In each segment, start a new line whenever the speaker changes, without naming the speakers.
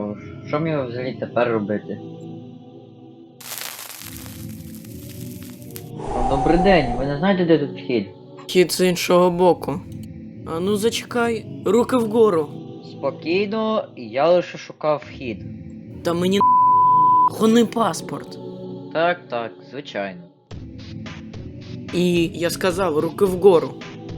що мені взагалі тепер робити? Добрий день, ви не знаєте, де тут вхід?
Хід з іншого боку. А ну зачекай, руки вгору.
Спокійно, я лише шукав вхід.
Та мені гони паспорт.
Так, звичайно.
І я сказав, руки вгору.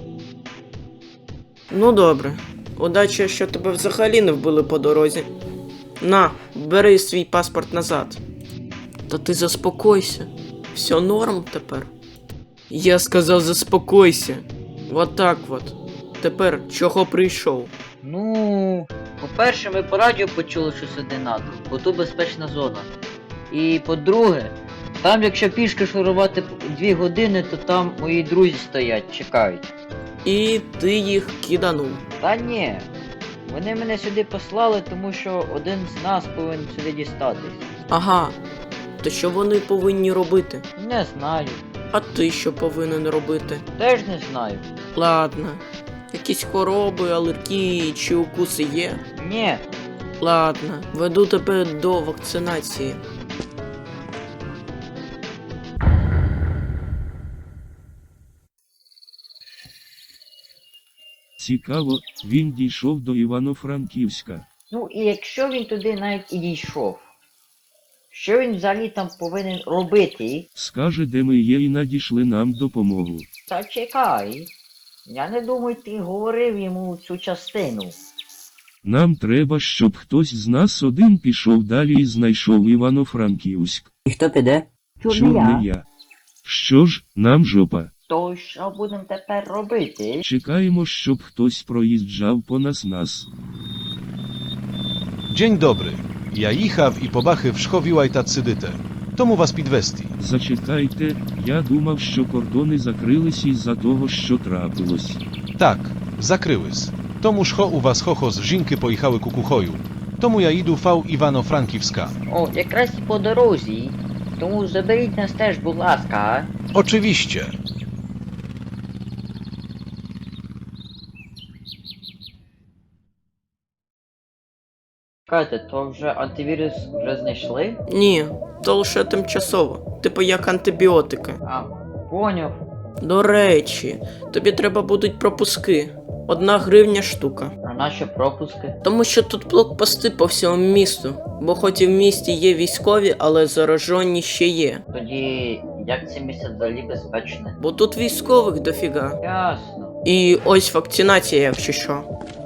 Ну добре. Удачі, що тебе взагалі не вбили по дорозі. На, бери свій паспорт назад. Та ти заспокойся. Все норм тепер. Я сказав, заспокойся. Вот так вот. Тепер чого прийшов?
Ну, по-перше, ми по радіо почули, що сюди НАТО, бо тут безпечна зона. І по-друге, там якщо пішки шурувати 2 години, то там мої друзі стоять, чекають.
І ти їх киданув.
Та ні, вони мене сюди послали, тому що один з нас повинен сюди дістатись.
Ага. То що вони повинні робити?
Не знаю,
А ти що повинен робити?
теж не знаю.
Ладно. Якісь хвороби, алергії чи укуси є?
Ні,
Ладно, веду тебе до вакцинації.
Цікаво, він дійшов до Івано-Франківська.
ну і якщо він туди навіть і дійшов, що він взагалі там повинен робити?
Скаже, де ми є, і надійшли нам допомогу.
Та чекай, я не думаю, ти говорив йому цю частину.
Нам треба, щоб хтось з нас один пішов далі і знайшов Івано-Франківськ.
І хто піде?
Чорний я. Що ж, нам жопа.
То що будемо тепер робити?
Чекаємо, щоб хтось проїжджав понад нас.
Dzień dobry. Я їхав і побачив, що вілайта цидите. Тому вас підвести.
Зачекайте, я думав, що кордони закрились із-за того, що трапилось.
Так, закрились. Тому що у вас хохо з жінки поїхали кукухою. Тому я йду в Івано-Франківська.
О, якраз і по дорозі. Тому заберіть нас теж, будь ласка.
Oczywiście.
Чекайте, то вже антивірус вже знайшли?
Ні, то лише тимчасово. Типу як антибіотики.
А, поняв.
До речі, тобі треба будуть пропуски. 1 гривня штука.
А наші пропуски?
Тому що тут блокпости по всьому місту. Бо хоч і в місті є військові, але заражені ще є.
Тоді, як це місце взагалі безпечне?
Бо тут військових дофіга.
Ясно.
І ось вакцинація, якщо що.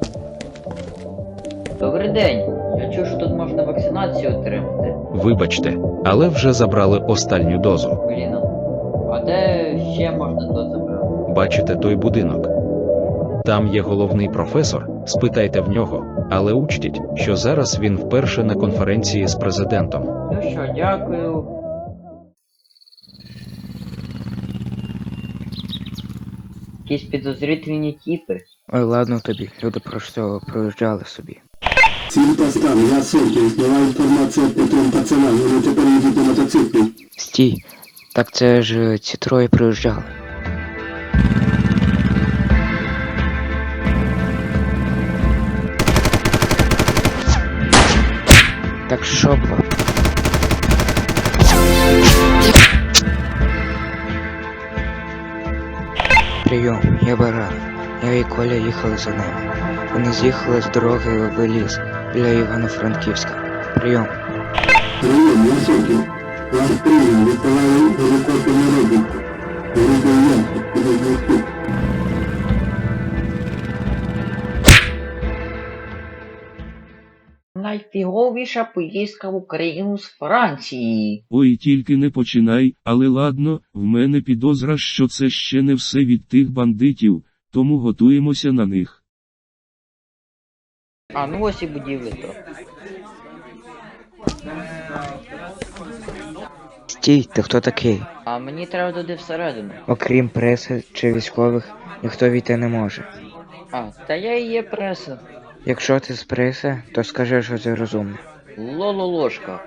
Добрий день. Я чув, що тут можна вакцинацію отримати.
Вибачте, але вже забрали останню дозу.
Блін, а де ще можна то забрати?
Бачите той будинок? Там є головний професор, спитайте в нього, але учтіть, що зараз він вперше на конференції з президентом.
Ну що, дякую. Якісь підозрительні тіпи.
Ой, ладно тобі, люди просто проїжджали собі.
Ціль постав, я Сокіл, нова інформація по трьом пацанам, вони тепер їдуть на мотоциклі.
Стій, так це ж ці троє проїжджали. Так що було? Прийом, я Баран. Я і Коля їхали за ними. Вони з'їхали з дороги в ліс біля Івано-Франківська. Прийом.
Прийом, я Сокіл. Ваш прийом, відправляю гелікоптер на розвідку. Грубий ясик, підозрюю.
Найфіговіша поїздка в Україну з Франції.
Ой, тільки не починай, але ладно, в мене підозра, що це ще не все від тих бандитів, тому готуємося на них.
А ну ось і будівлі то.
Стій, ти хто такий?
А мені треба туди всередину.
Окрім преси чи військових, ніхто війти не може.
А, та я і є преса.
Якщо ти з преси, то скажи, що це розумно.
Лололошка.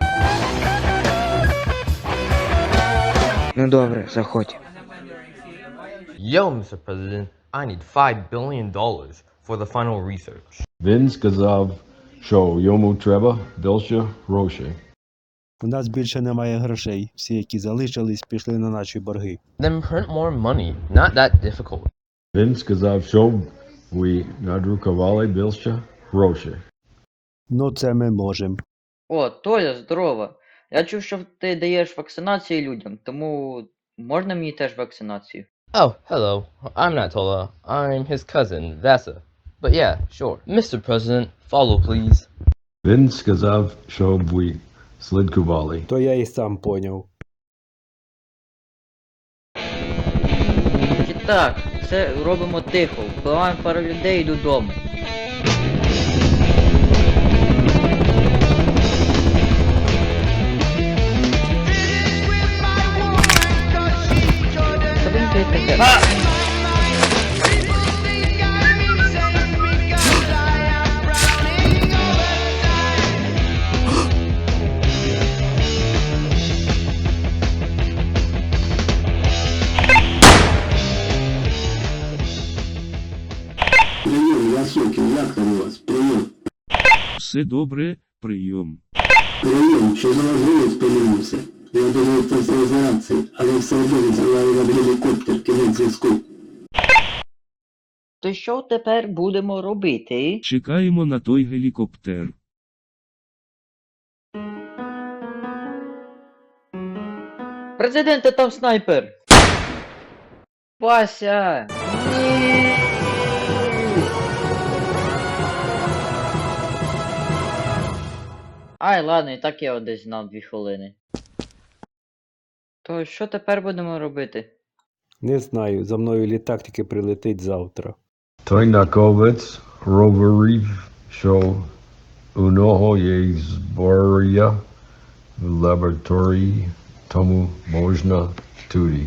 Ну добре, заходь.
Yo, Mr. President, I need $5 billion for the final research.
Він сказав, що йому треба більше грошей.
У нас більше немає грошей. Всі, які залишились, пішли на наші борги.
Then print more money. Not that difficult.
Він сказав, що ви надрукували більше грошей.
Ну, це ми можемо.
О, Толя, здорово. Я чув, що ти даєш вакцинацію людям, тому можна мені теж вакцинацію?
Oh, hello. I'm not Tola. I'm his cousin, Vasa. But yeah, sure. Mr. President, follow, please.
Він сказав, що ви слідкували.
То я і сам поняв.
І так, це робимо тихо, вбиваємо пару людей і додому. Що він таке?
Прийом, Васюкін, як там у вас? Прийом.
Все добре, прийом.
Прийом, що за можливість помінився. Я думаю, це все з реакції, але все одно відзиваю вам гелікоптер, кінець зв'язку.
То що тепер будемо робити?
Чекаємо на той гелікоптер.
Президенте, там снайпер! Вася! Ні! Ай, ладно, і так я його десь знав 2 хвилини. То що тепер будемо робити?
Не знаю, за мною літак тільки прилетить завтра.
Той науковець говорив, що у нього є зброя в лабораторії, тому можна туди.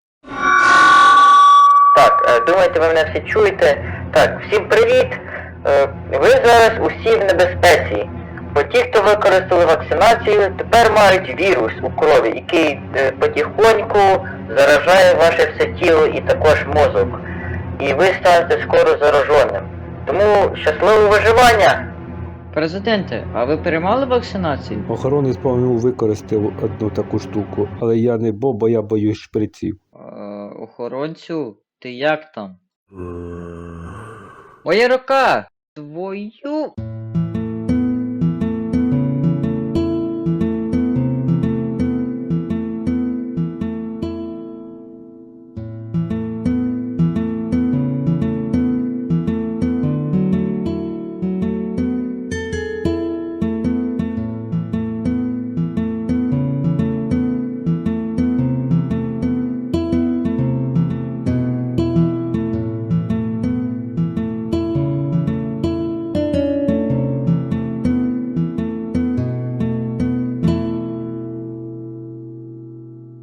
Так, думаєте, ви мене всі чуєте? Так, всім привіт! Ви зараз усі в небезпеці. Бо ті, хто використали вакцинацію, тепер мають вірус у крові, який потихоньку заражає ваше все тіло і також мозок. І ви станете скоро зараженим. Тому щасливого виживання! Президенте, а ви приймали вакцинацію?
Охоронець, по-моєму, використав одну таку штуку, але я не бо я боюсь шприців.
Охоронцю, ти як там? Моя рука! Твою...